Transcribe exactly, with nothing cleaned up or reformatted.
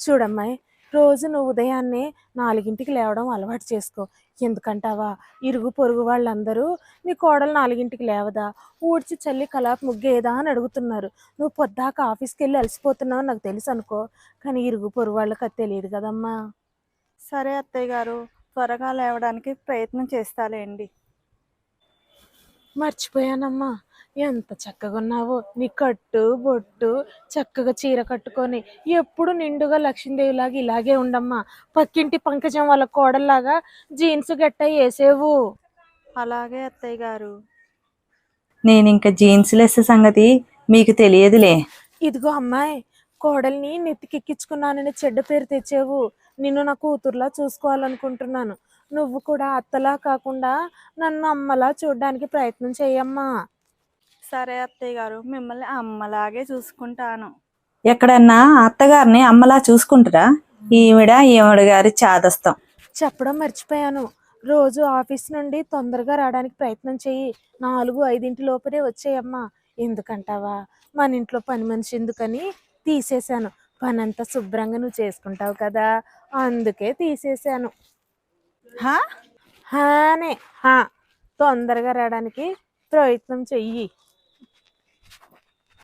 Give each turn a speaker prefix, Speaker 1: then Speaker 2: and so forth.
Speaker 1: చూడమ్మాయి, రోజు నువ్వు ఉదయాన్నే నాలుగింటికి లేవడం అలవాటు చేసుకో. ఎందుకంటావా, ఇరుగు పొరుగు వాళ్ళందరూ నీ కోడలు నాలుగింటికి లేవదా, ఊడ్చి చల్లి కలాపు ముగ్గేదా అని అడుగుతున్నారు. నువ్వు పొద్దాక ఆఫీస్కి వెళ్ళి అలసిపోతున్నావు నాకు తెలుసు అనుకో, కానీ ఇరుగు పొరుగు వాళ్ళకి అది తెలియదు కదమ్మా.
Speaker 2: సరే అత్తయ్య గారు, త్వరగా లేవడానికి ప్రయత్నం చేస్తాలేండి.
Speaker 1: మర్చిపోయానమ్మా, ఎంత చక్కగా ఉన్నావో. నీ కట్టు బొట్టు చక్కగా చీర కట్టుకొని ఎప్పుడు నిండుగా లక్ష్మీదేవిలాగా ఇలాగే ఉండమ్మా. పక్కింటి పంకజం వాళ్ళ కోడల్లాగా జీన్స్ గట్ట వేసేవు.
Speaker 2: అలాగే అత్తయ్య గారు.
Speaker 3: నేను ఇంకా జీన్స్ లెస్ సంగతి మీకు తెలియదులే.
Speaker 1: ఇదిగో అమ్మాయి, కోడల్ని నెత్తికెక్కించుకున్నానని చెడ్డ పేరు తెచ్చేవు. నిన్ను నా కూతుర్లా చూసుకోవాలనుకుంటున్నాను. నువ్వు కూడా అత్తలా కాకుండా నన్ను అమ్మలా చూడడానికి ప్రయత్నం చేయమ్మా.
Speaker 2: సరే అత్తయ్య గారు, మిమ్మల్ని అమ్మలాగే చూసుకుంటాను.
Speaker 3: ఎక్కడన్నా అత్తగారిని అమ్మలా చూసుకుంటారా? ఈవిడ ఈవిడ గారి చాదస్తం.
Speaker 1: చెప్పడం మర్చిపోయాను, రోజు ఆఫీస్ నుండి తొందరగా రావడానికి ప్రయత్నం చెయ్యి. నాలుగు ఐదింటి లోపలే వచ్చేయమ్మా. ఎందుకంటావా, మన ఇంట్లో పని మనిషి ఎందుకని తీసేశాను. పని అంతా శుభ్రంగా నువ్వు చేసుకుంటావు కదా, అందుకే తీసేశాను.
Speaker 2: హా
Speaker 1: హానే హా తొందరగా రావడానికి ప్రయత్నం చెయ్యి.